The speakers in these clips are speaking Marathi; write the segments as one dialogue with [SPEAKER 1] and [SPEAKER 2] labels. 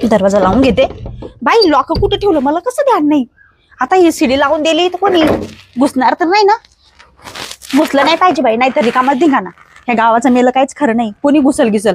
[SPEAKER 1] दरवाजा लावून घेते. बाई लॉक कुठे ठेवलं मला कसं ध्यान नाही. आता ही सीडी लावून दिली तर कोणी घुसणार तर नाही ना. घुसलं नाही पाहिजे बाई, नाहीतर रिकामात धिंगाणा. ह्या गावाचं मेलं काहीच खरं नाही, कोणी घुसल घिसल.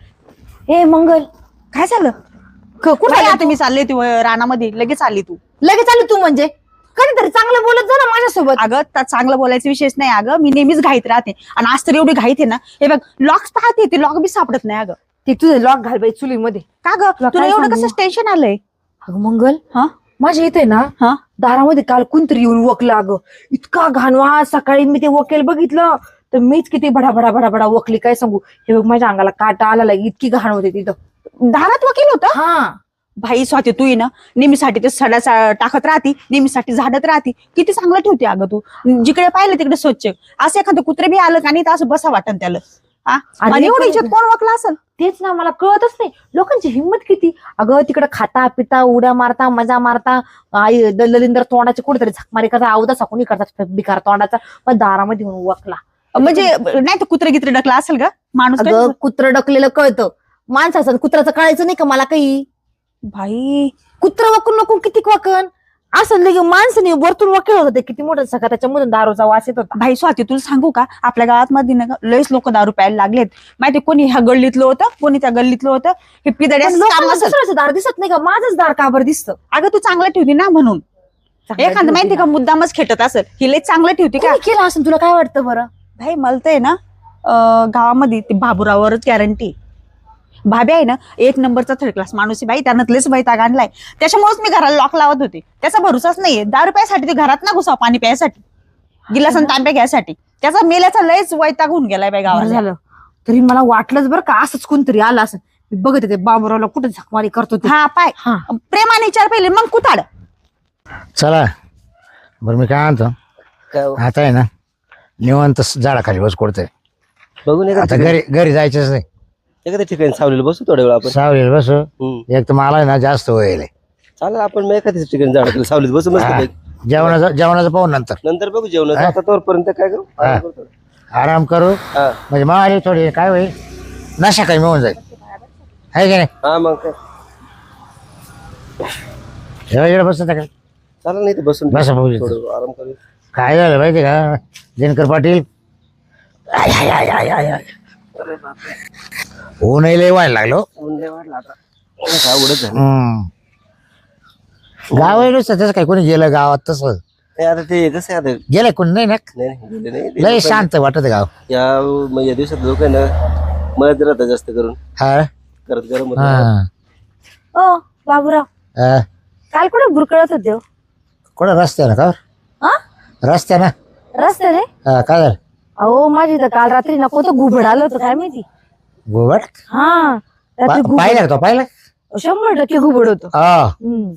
[SPEAKER 2] हे मंगल
[SPEAKER 1] काय झालं? कुठे आता मी चालले तू रानामध्ये लगेच आली तू.
[SPEAKER 2] लगेच आली तू म्हणजे कधीतरी चांगलं बोलत जा ना माझ्यासोबत.
[SPEAKER 1] अगं त्यात चांगलं बोलायचा विषयच नाही. अगं मी नेहमीच घाईत राहते आणि आज तर एवढी घाईत आहे ना. हे बघ लॉक्स पाहते, ते लॉक बी सापडत नाही. अगं
[SPEAKER 2] ते तुझं लॉक घाल बाई चुलीमध्ये.
[SPEAKER 1] का ग तुला
[SPEAKER 2] काय
[SPEAKER 1] एवढं
[SPEAKER 2] सांगू?
[SPEAKER 1] कसं टेन्शन आलंय?
[SPEAKER 2] अगं मंगल
[SPEAKER 1] हा
[SPEAKER 2] माझ्या इथे ना
[SPEAKER 1] हा
[SPEAKER 2] दारामध्ये काल कोणतरी येऊन वकलं. अगं इतका घाण वास. सकाळी मी ते वकेल बघितलं तर मीच किती भडा भडा भडा भडा वकली. काय सांगू, हे बघ माझ्या अंगाला काटा आला. इतकी घाण होते तिथं.
[SPEAKER 1] दारात वकील होतं?
[SPEAKER 2] हा
[SPEAKER 1] भाई स्वाती तू ये ना नेहमीसाठी ते सडा टाकत राहती, नेहमीसाठी झाडत राहती. किती चांगलं ठेवते अगं तू. जिकडे पाहिलं तिकडे स्वच्छ. असं एखादं कुत्रे बी आलं का नाही तर असं बसा वाटन त्याला. आणि एवढं याच्यात कोण वकला असेल?
[SPEAKER 2] तेच ना मला कळतच नाही लोकांची हिंमत किती. अगं तिकडे खाता पिता उड्या मारता मजा मारता आई ललिंदर तोंडाचे कुठेतरी झकमारी करता अवधा साकून करतात बिकार तोंडाचा. पण दारामध्ये येऊन वकला
[SPEAKER 1] म्हणजे नाही तर कुत्रे गित्रे डकला असेल का माणूस?
[SPEAKER 2] अगं कुत्रं डकलेलं कळतं, माणसाचं कुत्राचं कळायचं नाही का मला काही.
[SPEAKER 1] भाई
[SPEAKER 2] कुत्र वकून नको किती वकन असं लगे माणसाने वरतून वकील होतं. ते किती मोठं सगळं त्याच्यामधून दारूचा वास येत होता.
[SPEAKER 1] भाई स्वाती तुला सांगू का, आपल्या गावात मध्ये ना लयच लोक दारू प्यायला लागलेत. माहिती कोणी ह्या गल्लीतलं होतं, कोणी त्या गल्लीतलं होतं. हे पिदड्याचं काम असेल.
[SPEAKER 2] दुसऱ्याचं दार दिसत नाही का, माझंच दार का बरं दिसतं?
[SPEAKER 1] अगं तू चांगलं ठेवती ना म्हणून. एखादं माहिती का मुद्दामच खेटत असेल. ही लय चांगलं ठेवते का?
[SPEAKER 2] कोणी केलं असं तुला काय वाटतं बरं?
[SPEAKER 1] भाई मला तर आहे ना गावामध्ये ते बाबूरावरच गॅरंटी. भाभी आहे ना एक नंबरचा थर्ड क्लास माणूस आहे बाई. त्यानं लयच वैताग आणलाय. त्याच्यामुळेच मी घराला लॉक लावत होते. त्याचा भरोसाच नाहीये. दारू प्यायसाठी ते घरात ना घुसाव, पाणी प्यायसाठी गिलास आणि तांब्या घ्यायसाठी. त्याचा मेल्याचा लयच वैताग होऊन गेलाय बाई गावाला.
[SPEAKER 2] झालं तरी मला वाटलंच बरं का असंच कोणतरी आलं असं. मी बघत होते बाबूरावला कुठे झकमारी करतो ते.
[SPEAKER 1] हा पाय
[SPEAKER 2] हा.
[SPEAKER 1] प्रेमाने विचार पहिले मग कुताड.
[SPEAKER 3] चला बरं मी काय म्हणतो, आता आहे ना निवांत झाडाखाली बस कोडतंय.
[SPEAKER 4] बघून
[SPEAKER 3] आता घरी जायचंच नाही.
[SPEAKER 4] एखाद्या ठिकाणी सावलीला बसू थोड्या वेळ आपण.
[SPEAKER 3] सावलीला बसू. एक तर मला आहे ना जास्त वय
[SPEAKER 4] चालेल आपण मग एखाद्या ठिकाणी झाड सावलीत बसू मस्त.
[SPEAKER 3] जेवणाचं पाहू नंतर
[SPEAKER 4] नंतर बघू जेवण. आता तोपर्यंत काय करू
[SPEAKER 3] आराम करू.
[SPEAKER 4] हा
[SPEAKER 3] म्हणजे मला थोडी काय होईल नशा काही मिळून जाईल आहे की नाही.
[SPEAKER 4] हा मग काय
[SPEAKER 3] इकडे बसत काय
[SPEAKER 4] चालेल नाही तर बसून
[SPEAKER 3] बसा भाऊ इथं.
[SPEAKER 4] थोडं आराम करू.
[SPEAKER 3] काय झालं माहिती का दिनकर पाटील, आय, आय, आय, आय, आय, आय. ऊनही लय व्हायला लागलो.
[SPEAKER 4] ऊन लय वाढलं आता. काय आवडत झालं.
[SPEAKER 3] गाव आहे नुसतं तसं काय कोणी गेलं गावात तसं
[SPEAKER 4] नाही, आता ते कसं आहे आता.
[SPEAKER 3] गेलंय कोणी नाही ना.
[SPEAKER 4] नाही गेले नाही
[SPEAKER 3] लय शांत वाटत गाव.
[SPEAKER 4] या दिवसात लोक आहे ना मळत राहतात जास्त करून.
[SPEAKER 3] हा
[SPEAKER 4] करत गरम होतं.
[SPEAKER 3] हा
[SPEAKER 2] ओ बाबूराव
[SPEAKER 3] हा.
[SPEAKER 2] काल कुठे बुरकळत होते हो?
[SPEAKER 3] कोणा रस्त्यानं का
[SPEAKER 2] हा?
[SPEAKER 3] रस्त्यानं
[SPEAKER 2] रस्त्याने?
[SPEAKER 3] हा काय झालं
[SPEAKER 2] अहो माझी तर काल रात्री नको तर घुबड आलं होतं काय माहिती.
[SPEAKER 3] गोबट
[SPEAKER 2] हा रात्री
[SPEAKER 3] पाहिलं का तो पाहिलं
[SPEAKER 2] 100% घुबड होतं.
[SPEAKER 3] हा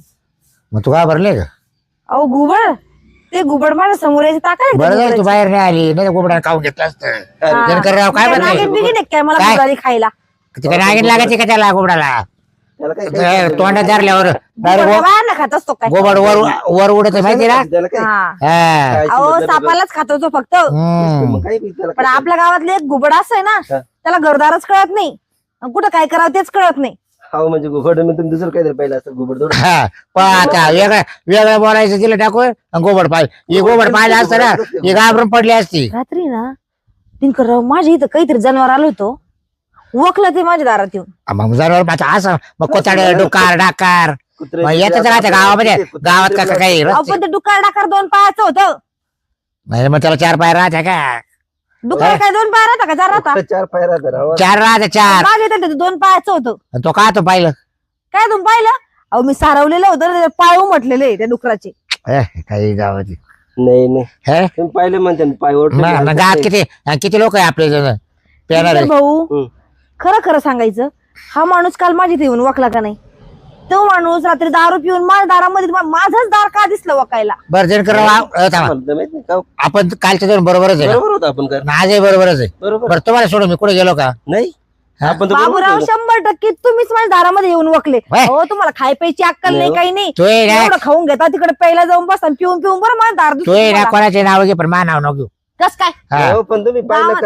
[SPEAKER 3] मग तू का भरले का
[SPEAKER 2] अहो घुबड ते घुबड माझ्या समोर यायचं ताकाय.
[SPEAKER 3] बरं झालं तू बाहेर नाही आली नाही गोबड्यानं खाऊन घेतलं असतं. दिनकरराव काय म्हणते
[SPEAKER 2] काय मला
[SPEAKER 3] काय?
[SPEAKER 2] घुबडाली खायला.
[SPEAKER 3] तिकडे नागिन लागायची का त्याला गोबडाला
[SPEAKER 4] त्याला काय
[SPEAKER 3] तोंडात धरल्यावर
[SPEAKER 2] बाहेर खात असतो काय.
[SPEAKER 3] गोबड वर उडत माहिती ना.
[SPEAKER 4] त्याला काय
[SPEAKER 2] हा.
[SPEAKER 3] हा.
[SPEAKER 4] खायची
[SPEAKER 2] अहो
[SPEAKER 4] बदल-
[SPEAKER 2] सापालाच खात होतो फक्त.
[SPEAKER 3] हम्म.
[SPEAKER 4] मग काही बी त्याला
[SPEAKER 2] पण
[SPEAKER 4] काय-
[SPEAKER 2] आपल्या गावातले एक घुबड असं आहे ना
[SPEAKER 4] हा.
[SPEAKER 2] त्याला घरदारच कळत नाही आणि कुठं काय करावं तेच कळत नाही.
[SPEAKER 4] हो म्हणजे घुबड मी तुम्ही दुसरं काहीतरी पाहिलं असतं घुबड थोडं.
[SPEAKER 3] हा पण आता वेगळं बोलायचं तिला टाकून गोबड पाहिजे. हे गोबड पाहिलं असतं ना हे घाबरून पडली असती.
[SPEAKER 2] रात्री ना दिनकरराव माझ्या इथं काहीतरी जनावर आलं होतं. वकलं ते माझ्या दारात येऊन.
[SPEAKER 3] मग जनावर असं मग कोताड डुकार डाकार
[SPEAKER 4] कुत्रे-
[SPEAKER 3] मग येतच राहते गावामध्ये. गावात का काही
[SPEAKER 2] अहो पण ते डुक्कर डाकार 2 पायाचं होतं.
[SPEAKER 3] नाही मग त्याला 4 पाय राहते का.
[SPEAKER 2] डुक्कर काय 2 पाय राहता का 4 राहता?
[SPEAKER 4] फक्त 4 पाय राहतात राव.
[SPEAKER 3] 4 राहते 4.
[SPEAKER 2] माझ्या इथं ते 2 पायाचं होतं.
[SPEAKER 3] आणि तो का तो पाहिलं
[SPEAKER 2] काय तुम्ही पाहिलं? अहो मी सारवलेलं होतं ना, ते पाय उमटलेले त्या डुकराचे.
[SPEAKER 3] काही गावात
[SPEAKER 4] नाही नाही
[SPEAKER 3] हे
[SPEAKER 4] तुम्ही पाहिले म्हणते ना, पाय ओढले.
[SPEAKER 3] गावात किती लोक आहे आपले जण पेणार
[SPEAKER 2] दिनकर भाऊ
[SPEAKER 4] हम्म.
[SPEAKER 2] खरं खरं सांगायचं हा माणूस काल माझ्या इथे येऊन वकला का नाही? तो माणूस रात्री दारू पिऊन माझ्या दारामध्ये माझंच दार का दिसलं वकायला?
[SPEAKER 3] बरं जण
[SPEAKER 4] मला तर माहित नाही का.
[SPEAKER 3] आपण कालच्या दोन बरोबरच आहे
[SPEAKER 4] बरोबर होतं आपण कर
[SPEAKER 3] आजही बरोबरच आहे.
[SPEAKER 4] बरोबर
[SPEAKER 3] बरं तुम्हाला सोडून मी कुठे गेलो का.
[SPEAKER 4] नाही
[SPEAKER 3] हा?
[SPEAKER 4] आपण तर बरोबर
[SPEAKER 2] बाबूराव
[SPEAKER 4] होतो.
[SPEAKER 2] 100% तुम्हीच माझ्या दारामध्ये येऊन वकले.
[SPEAKER 3] वय.
[SPEAKER 2] हो तुम्हाला खाय प्यायची अक्कल नाही
[SPEAKER 4] नाही.
[SPEAKER 2] काही नाही.
[SPEAKER 3] तू ये ना
[SPEAKER 2] एवढं खाऊन घेता तिकडे पहिला जाऊन बसा पिऊन पिऊन बरं माझं दार
[SPEAKER 3] तू ये ना
[SPEAKER 2] दिसतं.
[SPEAKER 3] कोणाचे नाव घे पण मा नाव नको घेऊ.
[SPEAKER 2] कस काय?
[SPEAKER 3] हा.
[SPEAKER 4] हो, पण तुम्ही पाहिलं का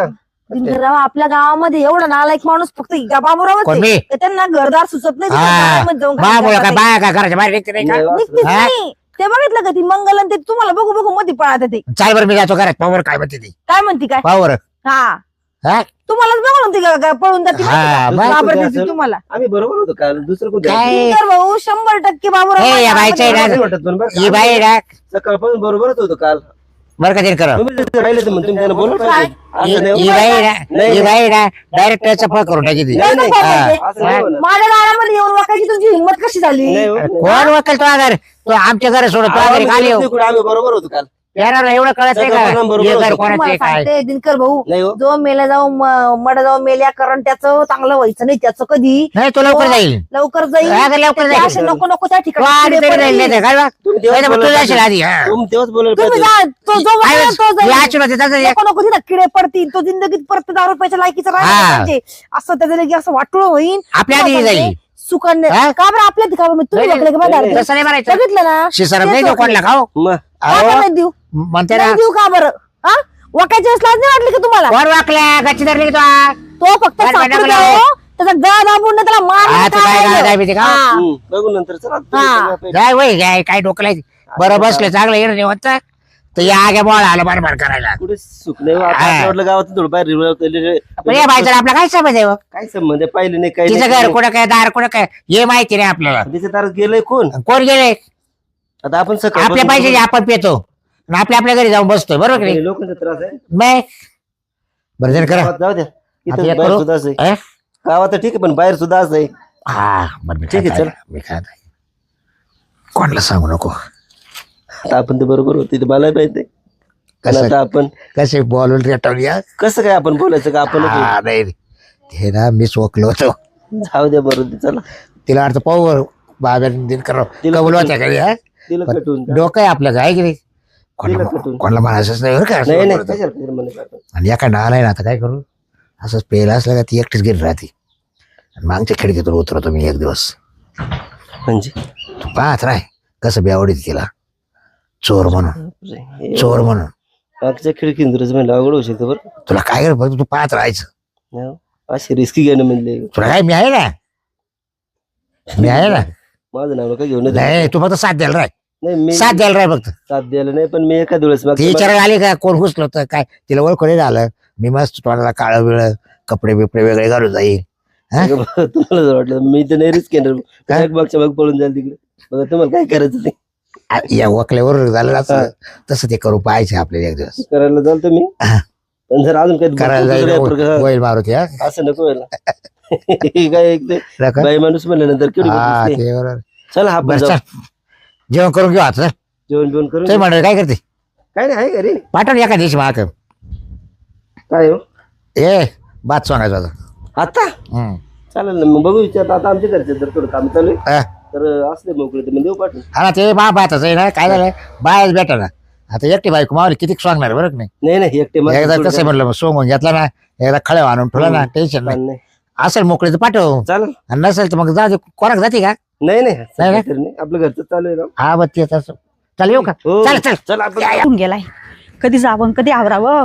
[SPEAKER 2] दिनकरराव आपल्या गावामध्ये एवढा नालायक माणूस फक्त बाबूरावच
[SPEAKER 3] कोण
[SPEAKER 2] आहे.
[SPEAKER 3] मी?
[SPEAKER 2] तर त्यांना घरदार सुचत नाही
[SPEAKER 3] हा
[SPEAKER 2] गावामध्ये जाऊन काय
[SPEAKER 3] बाबूला
[SPEAKER 2] करतात
[SPEAKER 3] काय
[SPEAKER 2] ते.
[SPEAKER 3] बाया काय घराच्या बाहेर निघते नाही का?
[SPEAKER 4] नाही,
[SPEAKER 2] निघतेच
[SPEAKER 3] हा?
[SPEAKER 2] नाही. ते बघितलं का ती मंगल आणि ते तुम्हाला बघू बघू मध्ये पळात ते
[SPEAKER 3] चाल बरं मी जातो घरात पावर काय म्हणते ती
[SPEAKER 2] काय म्हणते काय
[SPEAKER 3] पावर
[SPEAKER 2] हा
[SPEAKER 3] हा
[SPEAKER 2] तुम्हालाच बघा म्हणते का पळून जाते
[SPEAKER 3] हा,
[SPEAKER 2] माहिती
[SPEAKER 3] मग?
[SPEAKER 2] का? घाबरते
[SPEAKER 4] असेल.
[SPEAKER 2] ती तुम्हाला
[SPEAKER 4] आम्ही बरोबर होतो काल दुसरं कोणतं
[SPEAKER 3] काय?
[SPEAKER 2] दिनकर भाऊ 100% बाबूराव
[SPEAKER 3] ए, या
[SPEAKER 2] माझ्या
[SPEAKER 3] बाईच्या
[SPEAKER 2] गावामध्ये
[SPEAKER 3] इलाज-
[SPEAKER 4] नाही वाटत पण बरं
[SPEAKER 3] ही
[SPEAKER 4] का?
[SPEAKER 3] बाई ना
[SPEAKER 4] सकाळपासून बरोबरच होतो काल
[SPEAKER 3] बरं का करा
[SPEAKER 4] तुम्ही तिथे राहिले तर मग तुम्ही त्याला बोलवलं पाहिजे. असं नाही
[SPEAKER 3] ही
[SPEAKER 4] होत.
[SPEAKER 3] बाई ना
[SPEAKER 4] नाही,
[SPEAKER 3] ही बाई ना डायरेक्ट त्याचा फळ करून टाकी ती
[SPEAKER 4] नाही, नाही.
[SPEAKER 2] हा.
[SPEAKER 4] असं नाही होणार.
[SPEAKER 2] माझ्या दारामध्ये येऊन वाकायची तुमची हिंमत कशी झाली
[SPEAKER 4] नाही होत.
[SPEAKER 3] कोण वकील तो घर तो आमच्या घरी सोडत तो घरी खाली येऊ
[SPEAKER 4] आम्ही बरोबर होतो काल
[SPEAKER 3] येणार एवढं कळत नाही
[SPEAKER 4] सगळं बरोबर
[SPEAKER 3] का हे घर
[SPEAKER 4] होतं.
[SPEAKER 3] कोणाचं
[SPEAKER 2] तुम्हाला
[SPEAKER 3] आहे, काय
[SPEAKER 2] सांगते दिनकर भाऊ
[SPEAKER 4] नाही हो
[SPEAKER 2] जो मेला जाऊन मड जाऊन मेल्या कारण त्याचं चांगलं व्हायचं नाही त्याचं कधी
[SPEAKER 3] नाही तो लवकर जाईल
[SPEAKER 2] लवकर जाईल
[SPEAKER 3] हा, लवकर
[SPEAKER 2] ते
[SPEAKER 3] जाईल.
[SPEAKER 2] असे नको नको त्या
[SPEAKER 3] तो
[SPEAKER 2] ठिकाणी
[SPEAKER 3] आधी
[SPEAKER 2] किडे
[SPEAKER 3] तरी
[SPEAKER 2] पडतील.
[SPEAKER 3] जाईल नाही तर, काय बा?
[SPEAKER 4] तुम्ही तेव्हाच
[SPEAKER 3] नाही तर मग तू
[SPEAKER 4] बोलायला
[SPEAKER 3] जाशील
[SPEAKER 4] पाहिजे.
[SPEAKER 3] आधी हा.
[SPEAKER 4] तुम्ही तेव्हाच बोलायला
[SPEAKER 2] तुम्ही
[SPEAKER 4] पाहिजे.
[SPEAKER 2] जा तो जो
[SPEAKER 3] काय
[SPEAKER 2] बघेल तो
[SPEAKER 3] हे
[SPEAKER 2] जाईल.
[SPEAKER 3] आचून होते, त्याचं
[SPEAKER 2] नको नको तिथं किडे पडतील तो जिंदगीत परत 10 रुपयाच्या लायकीचा राहिला
[SPEAKER 3] हा.
[SPEAKER 2] पाहिजे असं त्याचं लगे असं वाटोळ होईल
[SPEAKER 3] आपल्या आधी
[SPEAKER 2] तुम्हाला
[SPEAKER 3] जाईल
[SPEAKER 2] सांगते, सुकन्या
[SPEAKER 3] हा?
[SPEAKER 2] का बरं आपल्या का बरं तुम्ही
[SPEAKER 3] नाही,
[SPEAKER 2] बघले का बघा
[SPEAKER 4] नाही,
[SPEAKER 3] तसं नाही म्हणायचं
[SPEAKER 2] बघितलं ना
[SPEAKER 3] शिसरत
[SPEAKER 2] तेच
[SPEAKER 3] नाही तो
[SPEAKER 2] वाटलं.
[SPEAKER 3] कोणला खाऊ
[SPEAKER 4] मग
[SPEAKER 2] का बरं नाही देऊ
[SPEAKER 3] म्हणते ना
[SPEAKER 2] नाही देऊ का बरं हा वाकायची वेळेस लाज नाही वाटली का तुम्हाला
[SPEAKER 3] कोण वाकल्या गच्ची धरली की तो
[SPEAKER 2] तो फक्त
[SPEAKER 3] बरं, बरं,
[SPEAKER 2] सापडतो
[SPEAKER 3] बरं.
[SPEAKER 2] त्याचा गळा दाबून ना त्याला
[SPEAKER 3] हा, तू काय
[SPEAKER 2] मार
[SPEAKER 3] काय भीती का?
[SPEAKER 4] बघू नंतर चला
[SPEAKER 2] हा.
[SPEAKER 3] जाय वय जाय काय डोकं लायची बरं बसलं चांगलं येणं निवंत तर या आगे बॉल आलं बार करायला
[SPEAKER 4] कुठे सुख नाही हो. आता
[SPEAKER 3] हा.
[SPEAKER 4] आपल्या वाटलं गावात थोडं बाहेर
[SPEAKER 3] पण या बाईचा आपला काय समज आहे हो?
[SPEAKER 4] काय संबंध आहे? पाहिलं नाही काही
[SPEAKER 3] तिचं
[SPEAKER 4] नाही.
[SPEAKER 3] घर कुठं काय दार कुठं काय हे माहिती नाही आपल्याला
[SPEAKER 4] तिच्या दारात गेलंय कोण
[SPEAKER 3] कोण गेले
[SPEAKER 4] आता आपण सकाळ
[SPEAKER 3] आपल्या पाहिजे आपण पेतो आणि आपल्या घरी जाऊन बसतोय बरोबर की नाही
[SPEAKER 4] लोकांचा त्रास आहे
[SPEAKER 3] नाही बरं जण करा
[SPEAKER 4] गावात जाऊ द्या
[SPEAKER 3] आता
[SPEAKER 4] इथं
[SPEAKER 3] एक
[SPEAKER 4] बाहेर
[SPEAKER 3] करू?
[SPEAKER 4] सुद्धा असं आहे.
[SPEAKER 3] अं?
[SPEAKER 4] गावात तर ठीक आहे पण बाहेर सुद्धा असं आहे
[SPEAKER 3] हा बरं मी
[SPEAKER 4] ठीक आहे,
[SPEAKER 3] काय
[SPEAKER 4] चल.
[SPEAKER 3] मी काय कोणाला सांगू नको
[SPEAKER 4] आता आपण तर बरोबर होते ते मला माहिती पण
[SPEAKER 3] कसं
[SPEAKER 4] आता आपण
[SPEAKER 3] कसे बॉल रेटवल्या
[SPEAKER 4] कसं काय आपण बोलायचं का आपण
[SPEAKER 3] हा नाही हे ना मी चोकलो होतो
[SPEAKER 4] जाऊ द्या बरोबर चला
[SPEAKER 3] तिला अर्थ पाहू बाब्या दिन करा
[SPEAKER 4] तिला
[SPEAKER 3] कबूल
[SPEAKER 4] कुठून-
[SPEAKER 3] होत्या घरी हा
[SPEAKER 4] तिला कटून जा.
[SPEAKER 3] डोकं आहे आपलं काय की नाही
[SPEAKER 4] तिला
[SPEAKER 3] कोणाला
[SPEAKER 4] कुठून?
[SPEAKER 3] कोणाला म्हणायचंच नाही बरं का असं
[SPEAKER 4] नाही नाही
[SPEAKER 3] बोलतो.
[SPEAKER 4] कशाला फिर म्हणे आपण.
[SPEAKER 3] आणि एका आलाय ना आता काय करू असंच पेला असलं का ती एकटीच गेली राहते आणि मागच्या खिडकीतून उतरतो मी एक दिवस
[SPEAKER 4] म्हणजे
[SPEAKER 3] तू पाहत राय कसं बेवडीत तिला चोर म्हणून
[SPEAKER 4] हे
[SPEAKER 3] चोर म्हणून
[SPEAKER 4] मागच्या खिडकीन तुला म्हणलं अवघड होऊ शकतं बरं
[SPEAKER 3] तुला काय कर फक्त तू पाहत राहायचं
[SPEAKER 4] हो. अशी रिस्की घेणं म्हणजे
[SPEAKER 3] तुला काय मी आहे ना मी आहे ना
[SPEAKER 4] माझं नाव नका घेऊन
[SPEAKER 3] नाही तू फक्त साथ द्यायला राय
[SPEAKER 4] नाही मी
[SPEAKER 3] साथ द्यायला राय फक्त
[SPEAKER 4] साथ द्यायला नाही पण मी एका दिवस
[SPEAKER 3] ती विचारायला आली का कोण घुसलं होतं काय तिला ओळख नाही झालं मी मस्त तोंडाला काळं बिळ कपडे बिपडे वेगळे घालून जाईल हा?
[SPEAKER 4] तुम्हाला जर वाटलं मी तर नाही रिस्क घेणार
[SPEAKER 3] काय?
[SPEAKER 4] मागच्या माग पळून जाईल तिकडे बघा तुम्हाला काय करायचं ते
[SPEAKER 3] या वकल्यावर झालं असं तसं ते करू पाहायचे आपल्याला एक दिवस
[SPEAKER 4] करायला जाल तुम्ही
[SPEAKER 3] हा.
[SPEAKER 4] पण जर अजून काही
[SPEAKER 3] करायला
[SPEAKER 4] दुसरं काही प्रकार-
[SPEAKER 3] जाईल मारुती हा
[SPEAKER 4] असं नको व्हायला हे काय एक ते
[SPEAKER 3] रका?
[SPEAKER 4] बाई माणूस म्हणल्यानंतर केवढी
[SPEAKER 3] हा,
[SPEAKER 4] गोष्ट असते.
[SPEAKER 3] ते बरोबर.
[SPEAKER 4] चला आपण
[SPEAKER 3] बरं
[SPEAKER 4] जाऊ.
[SPEAKER 3] चल जेवण करून घेऊ आता
[SPEAKER 4] जेवण बिवण करून
[SPEAKER 3] ते म्हणलं काय करते
[SPEAKER 4] काय नाही आहे घरी
[SPEAKER 3] पाठवून एका दिवशी माक
[SPEAKER 4] काय हो
[SPEAKER 3] ए बात सांगायचं होता
[SPEAKER 4] आता चालेल ना मग बघू विचार आता आमच्या घरचे जर थोडं काम चालू आहे तर असले मोकळे तर मग देऊ पाठवून
[SPEAKER 3] हा ना ते बाताच आहे ना काय झालं बायच भेटा ना आता एकटी बायको मावली किती सांगणार बरं का नाही
[SPEAKER 4] नाही नाही एकटे
[SPEAKER 3] एकदा कसं म्हणलं मग सोंगून घेतला ना एकदा खळ्या आणून ठेवला ना टेन्शन नाही
[SPEAKER 4] नाही
[SPEAKER 3] असेल मोकळी तर पाठव
[SPEAKER 4] चालेल
[SPEAKER 3] आणि नसेल तर मग जा कोणाक जाते का
[SPEAKER 4] नाही नाही
[SPEAKER 3] नाही
[SPEAKER 4] सध्या
[SPEAKER 3] ना?
[SPEAKER 4] तरी नाही आपलं घरचं चालू आहे ना
[SPEAKER 3] हा बघ ते तसं चल येऊ का
[SPEAKER 4] हो.
[SPEAKER 3] चल चल
[SPEAKER 4] चल आपण
[SPEAKER 1] होऊन गेलाय कधी जावं कधी आवरावं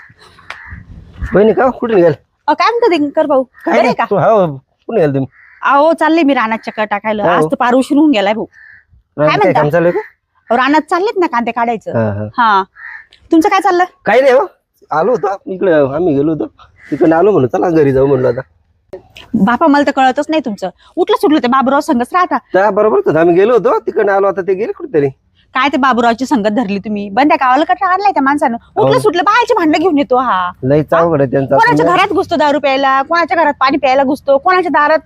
[SPEAKER 4] बहिणी का कुठे निघाल
[SPEAKER 1] काय म्हणतो दिनकर भाऊ
[SPEAKER 4] काय
[SPEAKER 1] बरे
[SPEAKER 4] नाही
[SPEAKER 1] का
[SPEAKER 4] तू हो कुठे निघाल तुम्ही
[SPEAKER 1] अहो चालले मी रानात चक्कर टाकायला
[SPEAKER 4] हो.
[SPEAKER 1] आज तर पार उशीर होऊन गेलाय भाऊ
[SPEAKER 4] काय
[SPEAKER 1] म्हणता?
[SPEAKER 4] काम चालू आहे का
[SPEAKER 1] अहो, रानात चाललेत ना कांदे काढायचं
[SPEAKER 4] हा, हा.
[SPEAKER 1] हा तुमचं काय चाललं
[SPEAKER 4] काही नाही हो आलो होतो इकडे आम्ही गेलो होतो तिकडे आलो म्हणून चला घरी जाऊ म्हणलो आता
[SPEAKER 1] बापा मला तर कळतच नाही तुमचं उठलं सुटलं ते बाबूराव संगच राहता
[SPEAKER 4] त्या बरोबरच होतं आम्ही गेलो होतो तिकडे आलो आता ते गेले कुठेतरी
[SPEAKER 1] काय ते बाबूरावची संगत धरली तुम्ही बंद्या गावाला कटरा आणलाय त्या माणसानं उठलं सुटलं बाहेरची भांडणं घेऊन येतो हा
[SPEAKER 4] लई चावड आहे त्यांचा
[SPEAKER 1] कोणाच्या घरात घुसतो दारू प्यायला कोणाच्या घरात पाणी प्यायला घुसतो कोणाच्या दारात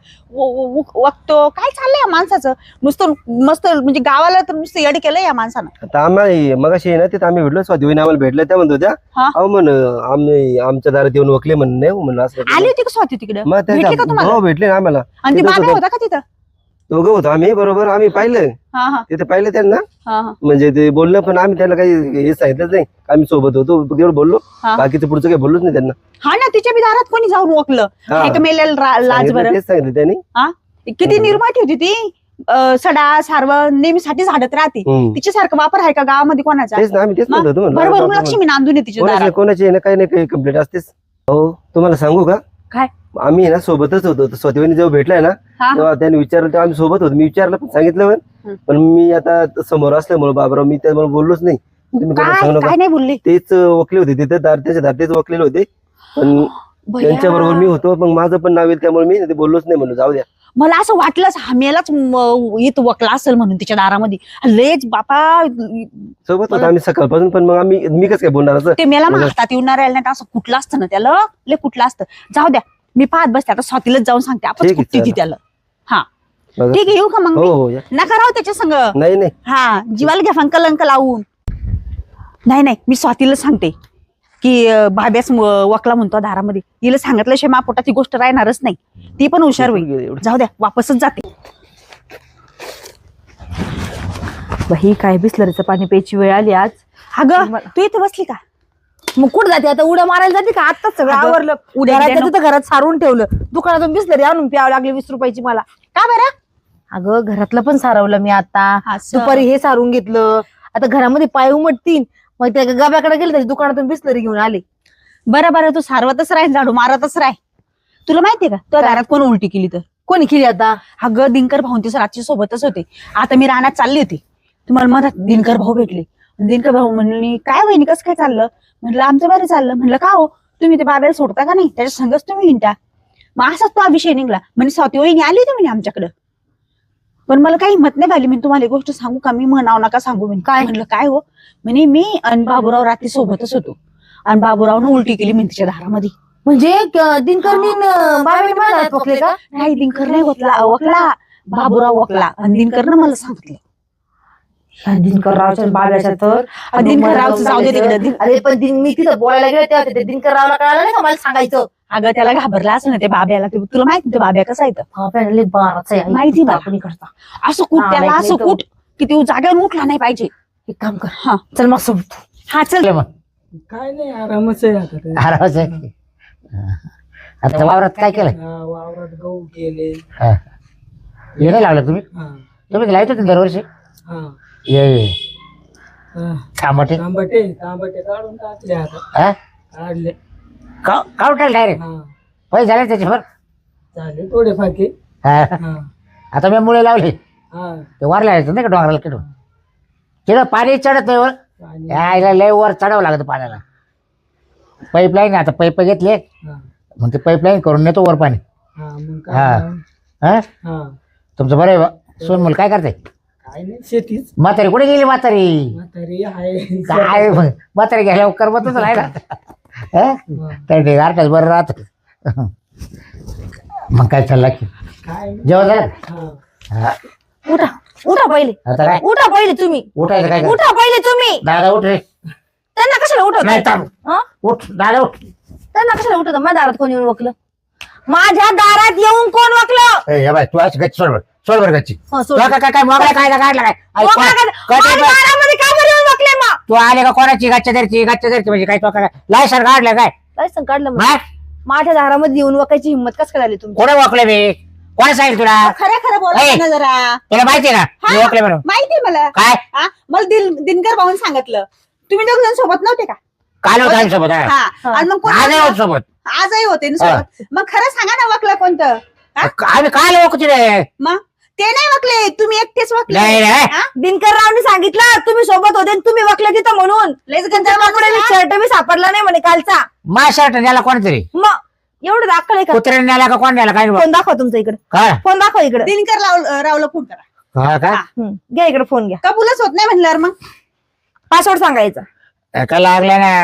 [SPEAKER 1] वकतो काय चाललंय या माणसाचं नुसतं मस्त म्हणजे गावाला तर नुसतं येड केलंय या माणसानं
[SPEAKER 4] आता आम्ही मगाशी ना तिथं आम्ही भेटलो स्वाती वहिनी आम्हाला भेटल्या त्या म्हणत होत्या
[SPEAKER 1] हा.
[SPEAKER 4] अहो म्हण आम्ही आमच्या दारात येऊन वकले म्हण नाही म्हणलं असं
[SPEAKER 1] आली होती का स्वाती तिकडे
[SPEAKER 4] मग
[SPEAKER 1] भेटली का
[SPEAKER 4] त्या
[SPEAKER 1] तुम्हाला
[SPEAKER 4] हो भेटले ना आम्हाला
[SPEAKER 1] आणि ती
[SPEAKER 4] तिथंच
[SPEAKER 1] बाबा
[SPEAKER 4] होतं.
[SPEAKER 1] होता का तिथं
[SPEAKER 4] दोघं होतो आम्ही बरोबर आम्ही पाहिलं
[SPEAKER 1] हा हा
[SPEAKER 4] तिथे पाहिलं त्यांना
[SPEAKER 1] हा हा
[SPEAKER 4] म्हणजे ते बोललं पण आम्ही त्यांना काही हे सांगितलंच नाही आम्ही सोबत होतो तेवढं बोललो
[SPEAKER 1] हा.
[SPEAKER 4] बाकीचं पुढचं काही बोललोच नाही त्यांना
[SPEAKER 1] हा ना तिच्या बी दारात कोणी जाऊन ओळखलं
[SPEAKER 4] हा.
[SPEAKER 1] हाय का मेलेलं लाज
[SPEAKER 4] सांगितलं,
[SPEAKER 1] बरं
[SPEAKER 4] तेच सांगितलं त्यांनी
[SPEAKER 1] हा किती निर्माती होती ती सडा सारव नेहमीसाठी झाडत राहते
[SPEAKER 4] हम्म.
[SPEAKER 1] तिच्यासारखं वापर आहे का गावामध्ये कोणाचा
[SPEAKER 4] तेच ना आम्ही तेच म्हणत होतो म्हणलं,
[SPEAKER 1] बरोबर
[SPEAKER 4] बाबा,
[SPEAKER 1] लक्ष्मी नांदून आहे तिच्या
[SPEAKER 4] कोणाची
[SPEAKER 1] दारात
[SPEAKER 4] कोणाची आहे ना काही नाही काही कंप्लेंट असतेच हो तुम्हाला सांगू का
[SPEAKER 2] काय?
[SPEAKER 4] आम्ही आहे ना सोबतच होतो स्वतःनी जेव्हा भेटलाय ना
[SPEAKER 1] हा.
[SPEAKER 4] तेव्हा त्यांनी विचारलं तेव्हा आम्ही सोबत होतो. मी विचारलं पण सांगितलं पण पण मी आता समोर असल्यामुळे बाबराव मी त्यामुळे बोललोच नाही. तुम्ही कोणाला सांगू
[SPEAKER 1] काय
[SPEAKER 4] नका.
[SPEAKER 1] काय नाही बोलली
[SPEAKER 4] तेच वकले होते तिथे त्याच्या दार वकलेले होते पण
[SPEAKER 1] भैया.
[SPEAKER 4] त्यांच्या बरोबर मी होतो मग माझं पण नाव येईल त्यामुळे मी ते बोललोच नाही म्हणून जाऊ द्या.
[SPEAKER 1] मला असं वाटलंच हामेलाच येत वकला असेल म्हणून तिच्या दारामध्ये लेच बापा
[SPEAKER 4] सोबत होतो आम्ही सकाळपासून पण मग मी कसं काय बोलणार असं
[SPEAKER 1] ते मेला मग हातात येऊन राहिलं नाही तर असं कुठलं असतं ना त्याला लय कुठलं असतं. जाऊ द्या मी पाहत बसते आता स्वातीलाच जाऊन सांगते आपण
[SPEAKER 4] ठीक आहे,
[SPEAKER 1] कुठती ती
[SPEAKER 4] चला.
[SPEAKER 1] त्याला. हा
[SPEAKER 4] बघा.
[SPEAKER 1] ठीक आहे येऊ का मग
[SPEAKER 4] हो
[SPEAKER 1] मी?
[SPEAKER 4] हो या.
[SPEAKER 1] नका राहू त्याच्या संग.
[SPEAKER 4] नाही नाही
[SPEAKER 1] हा जीवाला घ्या फंकलंक लावून. नाही मी स्वातीला सांगते की भाब्यास वकला म्हणतो दारामध्ये. हिला सांगितल्याशिवाय मा पोटात ती गोष्ट राहणारच नाही. ती पण हुशार होईल. जाऊ द्या वापसच जाते.
[SPEAKER 2] बाई काय बिस्लरीचं पाणी प्यायची वेळ आली आज.
[SPEAKER 1] अगं तू इथे बसली का?
[SPEAKER 2] मग कुठं जाते आता? उड्या मारायला जाते का? आताच सगळं
[SPEAKER 1] अगं,
[SPEAKER 2] आवरलं.
[SPEAKER 1] उड्या
[SPEAKER 2] घराच्या
[SPEAKER 1] नको.
[SPEAKER 2] तिथं घरात सारून ठेवलं. दुकानातून बिस्लरी आणून प्यावं लागली 20 रुपयाची मला.
[SPEAKER 1] का बरं?
[SPEAKER 2] अगं घरातलं पण सारवलं मी आता.
[SPEAKER 1] असं.
[SPEAKER 2] दुपारी हे सारून घेतलं. आता घरामध्ये पाय उमटतील. मग त्या गब्याकडे गेले त्याच्या दुकानातून बिस्लरी घेऊन आले.
[SPEAKER 1] बरं तू सारवतच राह झाडू मारतच राह. तुला माहितीये का तुझ्या
[SPEAKER 2] काय?
[SPEAKER 1] दारात कोण उलटी केली तर?
[SPEAKER 2] कोणी केली आता?
[SPEAKER 1] अगं दिनकर भाऊ ते रात्री सोबतच होते. आता मी रानात चालली होती तुम्हाला मधात दिनकर भाऊ भेटले. दिनकर भाऊ म्हणले काय वहिनी कसं काय चाललं? म्हटलं आमचं बरं चाललं. म्हणलं का हो तुम्ही ते बाबाला सोडता का नाही? त्याच्या संगच तुम्ही हिंडता. मग असाच तो हा विषय निघला. म्हणजे स्वाती वहिनी आली होती म्हणे आमच्याकडं. पण मला काही हिंमत नाही झाली. मी तुम्हाला एक गोष्ट सांगू का? मी म्हणाव नका सांगू म्हणे.
[SPEAKER 2] काय?
[SPEAKER 1] म्हणलं काय हो? म्हणे मी आणि बाबूराव रात्री सोबतच होतो आणि बाबूरावनं उलटी केली मी तिच्या दारामध्ये.
[SPEAKER 2] म्हणजे दिनकरनी बाबांनी माझ्या हात पकडले का?
[SPEAKER 1] नाही दिनकर नाही वकला बाबूराव वकला आणि दिनकरनं मला सांगितलं.
[SPEAKER 2] ह्या दिनकररावच्या बाब्याच्या तर
[SPEAKER 1] दिनकररावचं जाऊ दे तिकडे.
[SPEAKER 2] अरे पण मी तिथं बोलायला गेले तेव्हा ते दिनकररावला कळालं नाही का मला सांगायचं.
[SPEAKER 1] अगं त्याला घाबरला असं ना ते बाब्याला. तुला माहिती ते बाब्या कसा येतं?
[SPEAKER 2] बाब्याला बाराच आहे.
[SPEAKER 1] माहिती मला.
[SPEAKER 2] कोणी करता
[SPEAKER 1] असं कुठ
[SPEAKER 2] हा,
[SPEAKER 1] त्याला
[SPEAKER 2] माहित
[SPEAKER 1] असं
[SPEAKER 2] नाही तो.
[SPEAKER 1] कुठ की तू जागेवर उठला नाही पाहिजे.
[SPEAKER 2] एक काम कर.
[SPEAKER 1] हा
[SPEAKER 2] चल मग सोबत.
[SPEAKER 1] हा चल.
[SPEAKER 3] चल मग
[SPEAKER 5] काय नाही आरामच आहे आता ते.
[SPEAKER 3] आरामच आहे. आता वावरात काय केलं?
[SPEAKER 5] हा, वावरात गहू केले.
[SPEAKER 3] हा. हे नाही लावलं तुम्ही?
[SPEAKER 5] हा
[SPEAKER 3] तुम्ही लावत होते दरवर्षी?
[SPEAKER 5] हा
[SPEAKER 3] ये
[SPEAKER 5] हा.
[SPEAKER 3] थांबटे
[SPEAKER 5] तांबटे काढून टाकले आता.
[SPEAKER 3] हा
[SPEAKER 5] काढले.
[SPEAKER 3] काउंटर डायरेक्ट
[SPEAKER 5] हा
[SPEAKER 3] पैसे झाले त्याच्यावर.
[SPEAKER 5] झाले थोडे फाके.
[SPEAKER 3] हा.
[SPEAKER 5] हा
[SPEAKER 3] आता मी मुळे लावले
[SPEAKER 5] हा
[SPEAKER 3] ते वरला यायचं नाही का डोंगराला किडून तिथं पाणी चढत नाही वर.
[SPEAKER 5] आणि
[SPEAKER 3] यायला लय वर चढावं लागतं पाण्याला. पाईपलाईन आता पाईप घेतले
[SPEAKER 5] हा
[SPEAKER 3] मग ते पाईपलाईन करून नेतो वर पाणी.
[SPEAKER 5] हा मग
[SPEAKER 3] हा.
[SPEAKER 5] काय?
[SPEAKER 3] हा
[SPEAKER 5] हा
[SPEAKER 3] तुमचं बरं आहे बा. सोनमुल काय करते?
[SPEAKER 5] काय नाही शेतीच.
[SPEAKER 3] म्हातारी कुठे गेली म्हातारी?
[SPEAKER 5] म्हातारी आहे.
[SPEAKER 3] काय म्हातारी घ्यायला करमतच नाही ना. हा?
[SPEAKER 5] हा.
[SPEAKER 3] तर ते गारठाच बरं राहत. मग काय चालला की
[SPEAKER 5] काय नाही.
[SPEAKER 3] जेवण झालं?
[SPEAKER 5] हा
[SPEAKER 3] हा.
[SPEAKER 2] उठा पहिले.
[SPEAKER 3] आता काय
[SPEAKER 2] उठा पहिले तुम्ही.
[SPEAKER 3] उठायचं काय?
[SPEAKER 2] उठा पहिले तुम्ही.
[SPEAKER 3] दादा उठ रे.
[SPEAKER 2] त्यांना कशाला
[SPEAKER 3] नाही
[SPEAKER 2] उठवत?
[SPEAKER 3] थांब.
[SPEAKER 2] हा?
[SPEAKER 3] उठ दादा उठ.
[SPEAKER 2] त्यांना कशाला उठवत? माझ्या दारात कोण येऊन वकलं? माझ्या दारात येऊन कोण वकलं?
[SPEAKER 3] ए, हे बाय तू आज गच्ची सोड बरं गच्ची.
[SPEAKER 2] हा,
[SPEAKER 3] तू
[SPEAKER 2] सोड.
[SPEAKER 3] काय मोबाईल काय काढला काय? आई,
[SPEAKER 2] वकला
[SPEAKER 3] कोण-
[SPEAKER 2] का?
[SPEAKER 3] काय ते
[SPEAKER 2] माझ्या
[SPEAKER 3] बा-
[SPEAKER 2] दारामध्ये का बरं येऊन वकले मग?
[SPEAKER 3] तू आले का कोणाची गच्च्या धरची म्हणजे काय तो काय लायसन काढलं काय?
[SPEAKER 2] लायसन काढलं मग.
[SPEAKER 3] मग
[SPEAKER 2] माझ्या दारामध्ये येऊन वकायची हिंमत कसं काय झाली तुमची?
[SPEAKER 3] कोणी ओळखलं मी? कोण सांगितलं तुला?
[SPEAKER 1] खरं खरं बोला
[SPEAKER 3] ए.
[SPEAKER 1] ना जरा.
[SPEAKER 3] तुला माहिती ना मी
[SPEAKER 1] हा.
[SPEAKER 3] ओळखले म्हणून?
[SPEAKER 1] माहिती मला.
[SPEAKER 3] काय
[SPEAKER 1] हा मला दिनकर भाऊन सांगितलं. तुम्ही दोघ जण सोबत नव्हते का?
[SPEAKER 3] काल होता आम्ही सोबत. हा.
[SPEAKER 1] हा आणि मग कोण
[SPEAKER 3] आज आहे
[SPEAKER 1] वकलं?
[SPEAKER 3] होत सोबत.
[SPEAKER 1] आजही होते ना सोबत. मग खरं सांगा ना वकलं कोणतं? हा?
[SPEAKER 3] आम्ही काल ओळखते रे.
[SPEAKER 1] मग ते नाही वकले तुम्ही एकटेच वकले.
[SPEAKER 3] नाही रे.
[SPEAKER 1] हा?
[SPEAKER 2] दिनकररावनी सांगितलं तुम्ही सोबत होते आणि तुम्ही वकले तिथं म्हणून.
[SPEAKER 1] लयच गंजा
[SPEAKER 2] कपडे शर्ट बी सापडला नाही म्हणे कालचा.
[SPEAKER 3] मा शर्ट न्याला कोणतरी
[SPEAKER 2] मग एवढं दाखल आहे का?
[SPEAKER 3] कुत्र्याने न्याला का कोण न्याला काय
[SPEAKER 2] फोन दाखवा तुमचा इकडे.
[SPEAKER 3] काय
[SPEAKER 2] फोन दाखवा इकडे.
[SPEAKER 1] दिनकर रावला फोन करा.
[SPEAKER 3] हा का
[SPEAKER 2] घ्या इकडे फोन घ्या.
[SPEAKER 1] कबूलच होत नाही म्हणल्यावर मग
[SPEAKER 2] पासवर्ड सांगायचा.
[SPEAKER 3] का लागलं ना.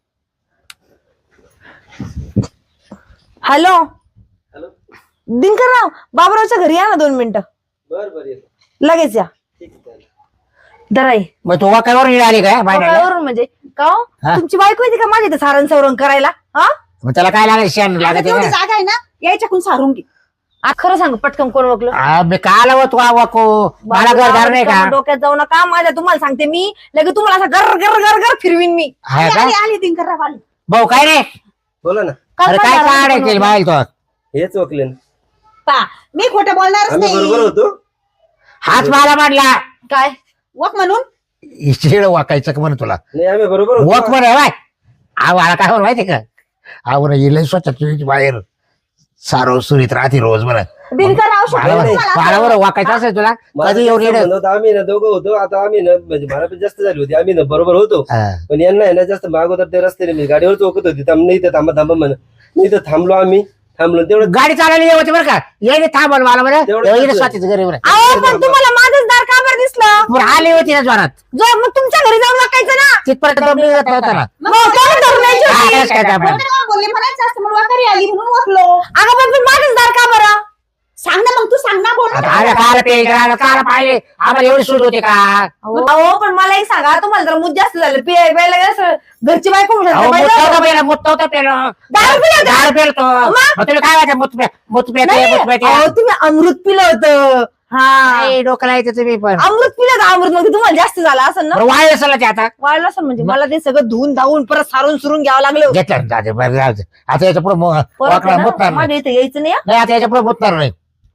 [SPEAKER 2] हॅलो
[SPEAKER 4] हॅलो
[SPEAKER 2] दिनकरराव बाबरावच्या घरी या ना 2 मिनिटं.
[SPEAKER 4] बर येतो.
[SPEAKER 2] लगेच या.
[SPEAKER 4] ठीक आहे चालेल.
[SPEAKER 2] दराई
[SPEAKER 3] मग तू वाकावर आली काय बायला?
[SPEAKER 2] वरून म्हणजे का हो?
[SPEAKER 3] हा?
[SPEAKER 2] तुमची बायको येते का माझ्या इथे सारण सवरण करायला? हा
[SPEAKER 3] मग त्याला काय लागेल शेण
[SPEAKER 1] आता
[SPEAKER 3] लागत
[SPEAKER 1] तेवढी जागा आहे ना यायच्याकून सारून घे.
[SPEAKER 2] आ, खरं सांग पटकन कोण वकलं?
[SPEAKER 3] मी काल आलो तू वाको मला घरदार नाही का?
[SPEAKER 2] डोक्यात जाऊ नका माझ्या. तुम्हाला सांगते मी लगेच तुम्हाला असं गर गर गर गर फिरवीन मी.
[SPEAKER 3] हा का
[SPEAKER 1] आली दिनकर राव आली.
[SPEAKER 3] भाऊ काय रे?
[SPEAKER 4] बोला ना.
[SPEAKER 3] अरे काय काढायचे बाहेर तो?
[SPEAKER 4] हेच वकले ना.
[SPEAKER 1] पा मी खोटं बोलणारच
[SPEAKER 4] आम्ही बरोबर
[SPEAKER 1] नाही.
[SPEAKER 4] होतो.
[SPEAKER 3] हाच मला मांडला
[SPEAKER 2] काय
[SPEAKER 1] वक म्हणून
[SPEAKER 3] शिळ वाकायचं का म्हणे तुला?
[SPEAKER 4] नाही आम्ही बरोबर होतो.
[SPEAKER 3] वक म्हणे बाय मला काय म्हणून माहिती का? आवड येईल स्वच्छ तुझी बाहेर सारो सुरीत राहते रोज बरं
[SPEAKER 2] दिनकर राहू शकतो
[SPEAKER 4] नाही,
[SPEAKER 2] तुम्हाला?
[SPEAKER 3] मला वाकायचं असेल तुला
[SPEAKER 4] मला
[SPEAKER 3] कधी येऊन
[SPEAKER 4] जास्त
[SPEAKER 3] येणं
[SPEAKER 4] म्हणत होतं, आम्ही ना दोघं होतो आता आम्ही ना म्हणजे मला पण जास्त झाली होती आम्ही ना बरोबर होतो
[SPEAKER 3] हा.
[SPEAKER 4] पण यांना आहे ना जास्त मागोदर ते रस्त्याने मी गाडीवर चौकत होती नाही तर थांबा थांबा म्हणा नाही तर थांबलो आम्ही थांबलो तेवढं
[SPEAKER 3] गाडी चालवली होती बरं का येणे थांबल मला बरं
[SPEAKER 4] तेवढं
[SPEAKER 3] येणे
[SPEAKER 4] कसं?
[SPEAKER 3] स्वातीच घरी बरं
[SPEAKER 2] अहो पण तुम्हाला माझंच दार का बरं दिसलं?
[SPEAKER 3] बरं, आली होती ना जोरात
[SPEAKER 2] जो मग तुमच्या घरी जाऊन वाकायचं ना.
[SPEAKER 3] तिथपर्यंत दम निघत नव्हता ना
[SPEAKER 2] मग कोण धरून यायची
[SPEAKER 3] हा,
[SPEAKER 2] होती?
[SPEAKER 3] तेच काय ते आपण.
[SPEAKER 1] बोलले म्हणायचं असतं म्हणून वाकारी आली म्हणून वाकलो.
[SPEAKER 2] अगं पण तू माझंच दार का बरं?
[SPEAKER 1] सांग ना मग तू सांग ना बोल ना.
[SPEAKER 3] आता आम्ही काल पे काल पाहिले आम्हाला एवढी सूट होते का
[SPEAKER 2] अहो पण मला एक सांगा तुम्हाला जर मूत जास्त झालं प्यायला गेलं घरची बायको म्हणून
[SPEAKER 3] अहो,
[SPEAKER 2] बाई
[SPEAKER 3] मुतवता
[SPEAKER 2] जाऊ.
[SPEAKER 3] पेला, मुतवता पेलो.
[SPEAKER 2] दारू पिलं होतं?
[SPEAKER 3] दारू पेलतो.
[SPEAKER 2] मग?
[SPEAKER 3] मग तुला काय वाटतं मुत पेते,
[SPEAKER 2] नाही,
[SPEAKER 3] मुत पेते?
[SPEAKER 2] अहो, तुम्ही अमृत पिलं होतं. हा
[SPEAKER 3] नाही, डोकं लावायचं तुम्ही पण
[SPEAKER 2] अमृत पिलं होतं अमृत मग तुम्हाला जास्त झालं असं ना
[SPEAKER 3] बरं, वाढलं असेल ना ते आता
[SPEAKER 2] वाढलं असं म्हणजे मला ते सगळं धुवून धावून परत सारून सुरून घ्यावं लागलं
[SPEAKER 3] घेतलं ना, जाऊ दे, बरं, जाऊ दे. आता याच्या पुढे
[SPEAKER 2] परत आहे ना,
[SPEAKER 3] मुतणार नाही
[SPEAKER 2] माझ्या इथे यायचं नाही हं?
[SPEAKER 3] नाही, आता याच्या पुढे मुतणार नाही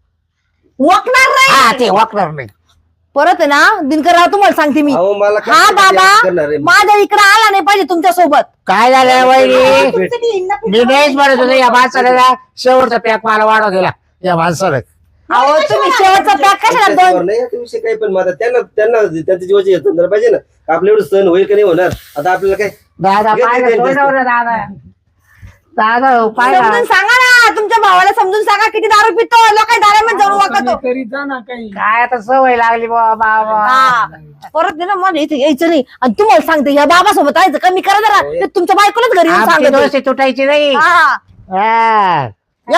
[SPEAKER 2] वाकणार
[SPEAKER 3] हा
[SPEAKER 2] नाही
[SPEAKER 3] ते वाकणार नाही
[SPEAKER 2] परत आहे ना दिनकरराव तुम्हाला सांगते मी
[SPEAKER 4] अहो मला काय
[SPEAKER 2] हा
[SPEAKER 4] करणार
[SPEAKER 2] बाबा
[SPEAKER 4] आहे?
[SPEAKER 2] माझ्या इकडे आला नाही पाहिजे तुमच्या सोबत
[SPEAKER 3] काय झालं वहिनी
[SPEAKER 1] तुमचं ते इंना
[SPEAKER 3] मी नाहीच म्हणत होतो या माणसाला ना शेवटचा पॅक मला वाढव गेला या माणसाला
[SPEAKER 2] अहो तुम्ही शेवटचा पॅक कशाला
[SPEAKER 4] त्याच्यावर
[SPEAKER 2] दोन
[SPEAKER 4] नाही आता विषय काही पण माझा त्यांना त्यांच्या जीवाची यंत्रणा पाहिजे ना आपल्या एवढं सण होईल का नाही होणार आता आपल्याला काय
[SPEAKER 3] दादा
[SPEAKER 4] घे,
[SPEAKER 3] पाहिलं,
[SPEAKER 4] घे, घे,
[SPEAKER 3] सोडलं ना दादा दादा हो, पाहिलं.
[SPEAKER 2] समजून सांगा ना तुमच्या भावाला समजून सांगा किती दारू पितो लोक दारामध्ये जाऊन
[SPEAKER 5] कमी
[SPEAKER 2] वागतो
[SPEAKER 5] करीत जा ना काही
[SPEAKER 3] काय आता सवय लागली बाबा
[SPEAKER 2] हा. परत आहे ना माझ्या इथे यायचं नाही आणि तुम्हाला सांगते या बाबासोबत यायचं कमी करा जरा ते तुमच्या बायकोलाच घरी येऊन
[SPEAKER 3] आमची
[SPEAKER 2] सांगत
[SPEAKER 3] दोस्ती तुटायची नाही
[SPEAKER 2] हा
[SPEAKER 3] हा.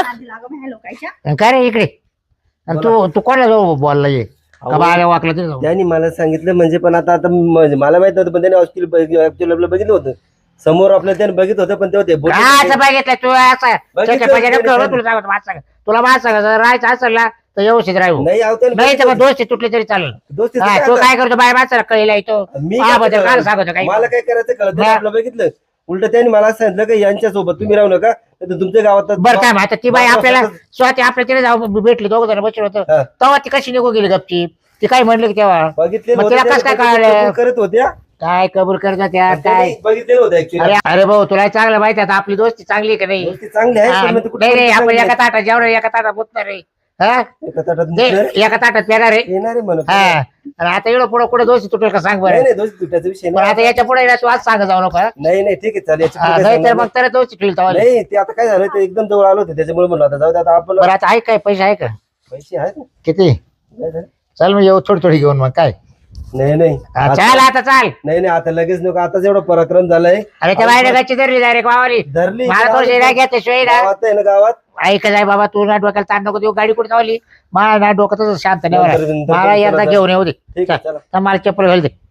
[SPEAKER 1] लोकांच्या
[SPEAKER 3] काय रे इकडे आणि तू कोणाला जाऊ बोलला ये का बाळा वाकलं तरी जाऊ
[SPEAKER 4] त्यांनी मला सांगितलं म्हणजे पण आता आता म्हणजे मला माहित नव्हतं पण त्याने ऍक्च्युअली आपलं बघितलं होतं समोर आपल्याला त्याने बघितलं होतं पण तेव्हा ते बोलले
[SPEAKER 3] काय
[SPEAKER 4] नाही.
[SPEAKER 3] असं बघितलं तू असं
[SPEAKER 4] बघितलं
[SPEAKER 3] त्याच्या पाहिजे
[SPEAKER 4] त्याने
[SPEAKER 3] नको, तुला सांगतो माझं सांग तुला माझं सांग जर राहायचं असेल ना तर व्यवस्थित राहू
[SPEAKER 4] नाही अहो, त्याने
[SPEAKER 3] नाही तर मग
[SPEAKER 4] बघितलं.
[SPEAKER 3] दोस्ती तुटली तरी चालेल
[SPEAKER 4] दोस्तीचं
[SPEAKER 3] हा,
[SPEAKER 4] काय
[SPEAKER 3] तू
[SPEAKER 4] आता?
[SPEAKER 3] काय करतो बाय माणसाला कळला येतो
[SPEAKER 4] मी
[SPEAKER 3] हा
[SPEAKER 4] काय
[SPEAKER 3] बद्दल
[SPEAKER 4] करणार?
[SPEAKER 3] काय सांगतो काही
[SPEAKER 4] मला काय करायचं कळत नाही.
[SPEAKER 3] हा.
[SPEAKER 4] आपलं बघितलं उलट त्यांनी मला असं सांगितलं की यांच्यासोबत तुम्ही राहू नका नाही तर तुमच्या गावात
[SPEAKER 3] बरं काय मग आता ती बाई
[SPEAKER 4] बाबा
[SPEAKER 3] आपल्याला
[SPEAKER 4] स्वतः-
[SPEAKER 3] स्वतः आपल्या तिने जाऊ भेटली दोघं जण बसलो होतो
[SPEAKER 4] हा.
[SPEAKER 3] तेव्हा ती कशी निघू गेली गपची ती काय म्हणली की तेव्हा
[SPEAKER 4] बघितलेलं
[SPEAKER 3] मग तिला
[SPEAKER 4] होतं,
[SPEAKER 3] कसं काय
[SPEAKER 4] त्याने
[SPEAKER 3] कळलं?
[SPEAKER 4] कबूल करत होत्या
[SPEAKER 3] काय कबूल करतात त्या काय
[SPEAKER 4] त्यांनी बघितलेलं होतं ऍक्च्युअली
[SPEAKER 3] अरे अरे भाऊ तुला चांगलं माहिती आहे आता आपली दोस्ती चांगली आहे का नाही
[SPEAKER 4] गोष्टी चांगल्या
[SPEAKER 3] हा,
[SPEAKER 4] आहेत पण मग ते कुठे
[SPEAKER 3] नाही रे आपण
[SPEAKER 4] चांगल्या
[SPEAKER 3] एका
[SPEAKER 4] आहेत.
[SPEAKER 3] ताटात जेवण एका ताटात बोलणार रे हा
[SPEAKER 4] एका ताटात
[SPEAKER 3] ते
[SPEAKER 4] मुतणार,
[SPEAKER 3] एका ताटात पेणार रे
[SPEAKER 4] येणार आहे म्हणत
[SPEAKER 3] हा आणि आता एवढं पुढे कुठे दोस्ती तुटेल का सांग
[SPEAKER 4] नाही
[SPEAKER 3] बरं
[SPEAKER 4] नाही दोस्ती तुटायचा विषय
[SPEAKER 3] पण आता
[SPEAKER 4] नाही
[SPEAKER 3] याच्या पुढे तू आज सांग जाऊ नका
[SPEAKER 4] नाही नाही ठीक आहे चालेल याची पुढे काय
[SPEAKER 3] नाही तर
[SPEAKER 4] सांगणार
[SPEAKER 3] मग तर दोस्ती ठेवली तेव्हा
[SPEAKER 4] नाही ते आता काय झालं ते एकदम जवळ आलो होते त्याच्यामुळे म्हणलं आता जाऊ दे आता आपण
[SPEAKER 3] बरं आता आहे काय पैसे आहे का
[SPEAKER 4] पैसे आहेत ना
[SPEAKER 3] किती
[SPEAKER 4] काय झालं?
[SPEAKER 3] चल मग येऊ थोडी थोडी घेऊन मग काय
[SPEAKER 4] नाही नाही
[SPEAKER 3] हा,
[SPEAKER 4] आता-
[SPEAKER 3] चाल आता चाल
[SPEAKER 4] नाही नाही आता लगेच नको आताच एवढा पराक्रम झालाय
[SPEAKER 3] अरे त्या बाहेर गच्ची धरली डायरेक्ट वावरी
[SPEAKER 4] धरली
[SPEAKER 3] मला तो शेरा घेतल्याशिवाय ना
[SPEAKER 4] गावात आहे ना गावात
[SPEAKER 3] ऐक जाय बाबा तू ना डोक्याला ताण नको देऊ गाडी कुठे चावली मला ना डोक्यातच शांत नाही
[SPEAKER 4] नंतर-
[SPEAKER 3] बरं.
[SPEAKER 4] नंतर
[SPEAKER 3] मला एकदा
[SPEAKER 4] चला.
[SPEAKER 3] घेऊन येऊ दे
[SPEAKER 4] ठीक आहे चला
[SPEAKER 3] तर मला चप्पल घाल दे